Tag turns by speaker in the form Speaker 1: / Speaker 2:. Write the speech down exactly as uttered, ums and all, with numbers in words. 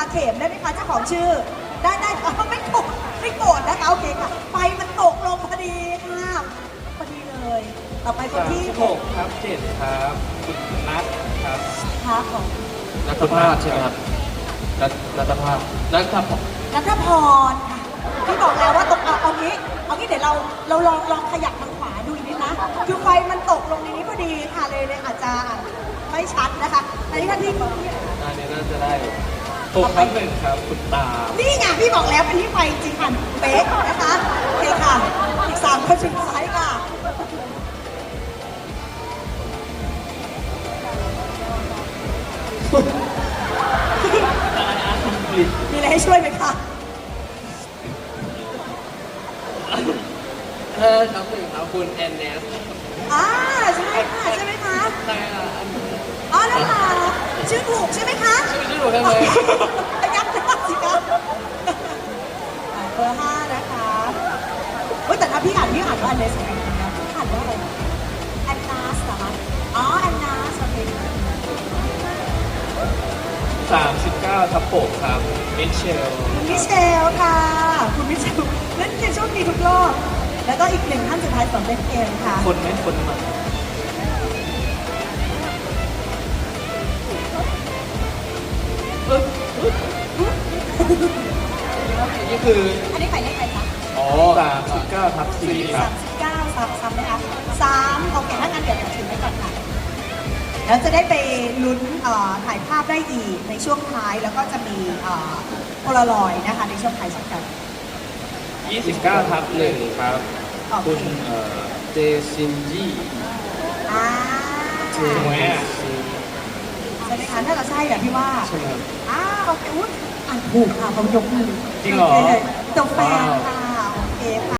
Speaker 1: เข็มได้ไหมคะเจ้าของชื่อได้ได้เอ้าไม่โกรธไม่โกรธนะคะโอเคค่ะไฟมันตกลงพอดีค่ะพอดีเลยต่อไปคนที่
Speaker 2: หกครับเจ็ดครับคุณนัทครับ
Speaker 1: ค่ะของ
Speaker 3: นัทภาพใช่ไหมครับนัทนัทภาพนัทภาพ
Speaker 1: นัทพรค่ะพี่บอกแล้วว่าตกเอาเอางี้เอางี้เดี๋ยวเราเราลองลองขยับทางขวาดูอีกนิดนะคือไฟมันตกลงในนี้พอดีค่ะเลยเลยอาจจะไม่ชัดนะคะอันนี้ท่านที่
Speaker 2: อันนี้น่าจะได้หกครับหนึ่งครับคุณตา
Speaker 1: นี่ไงพี่บอกแล้วเป็นที่ไฟจริงค่ะเป๊ะนะคะโอเคค่ะอีกสามคนสุดท้ายค่ะมีอะไรให้ช่วยไหมคะ
Speaker 3: เออครับหนึ่งครับคุณแอนเนส
Speaker 1: อ่าใช่ค่ะใช่ไหมคะ
Speaker 3: ใช่ค่ะ
Speaker 1: อ๋อแล้วค่ะชื่อถูกใช่ไหมคะ
Speaker 3: ชื่อชื่อหนูได้ไหม
Speaker 1: ยักษ์หน้าสิคะเบอร์ห้านะคะเฮ้ยแต่ถ้าพี่อ่านพี่อ่านว่าอันเนสนะพี่อ่านว่าอะไรแอนนาสเหรอคะอ๋อแอนนาสโอเค
Speaker 2: สามสิบเก้าทับหกครับมิเชล
Speaker 1: คุณมิเชลค่ะ คุณมิเชลเล่นเกมโชคดีทุกรอบ แล้วก็อีกหนึ่งท่านสุดท้ายสำเร็จเกมค่ะ
Speaker 2: คนไม่คนมานี่คือ
Speaker 1: อันนี้ใครเลขใครคะ
Speaker 2: อ๋อสามสิบเก้าทับสี่ครั
Speaker 1: สา
Speaker 2: บ
Speaker 1: มสิบเก้าซ้ำซ้ำไหมคะสามโอเคถ้างั้นเดี๋ยวเราถือไว้ก่อนค่ะ แล้วจะได้ไปลุ้นเอ่อถ่ายภาพได้อีกในช่วงท้าย แล้วก็จะมีเอ่อโพลารอยด์นะคะในช่วงท้ายเช่นกัน
Speaker 2: ยี่สิบเก้าทับหนึ่งครับ
Speaker 1: โอเค
Speaker 2: คุณเอ่อ
Speaker 3: เจซินจี้
Speaker 1: อ่า
Speaker 3: เจ
Speaker 2: ถูกไหมอะ
Speaker 3: ซิน
Speaker 1: ใช่ไหมคะถ้าเราใช่แบบพี่ว่า
Speaker 3: ใช่ไหมครับ
Speaker 1: อ้าวโอเคอุ๊ยอ่านถูกค่ะเขายกมือ
Speaker 2: จริงเหรอ
Speaker 1: โคตัวแฟนค่ะโอเคค่ะ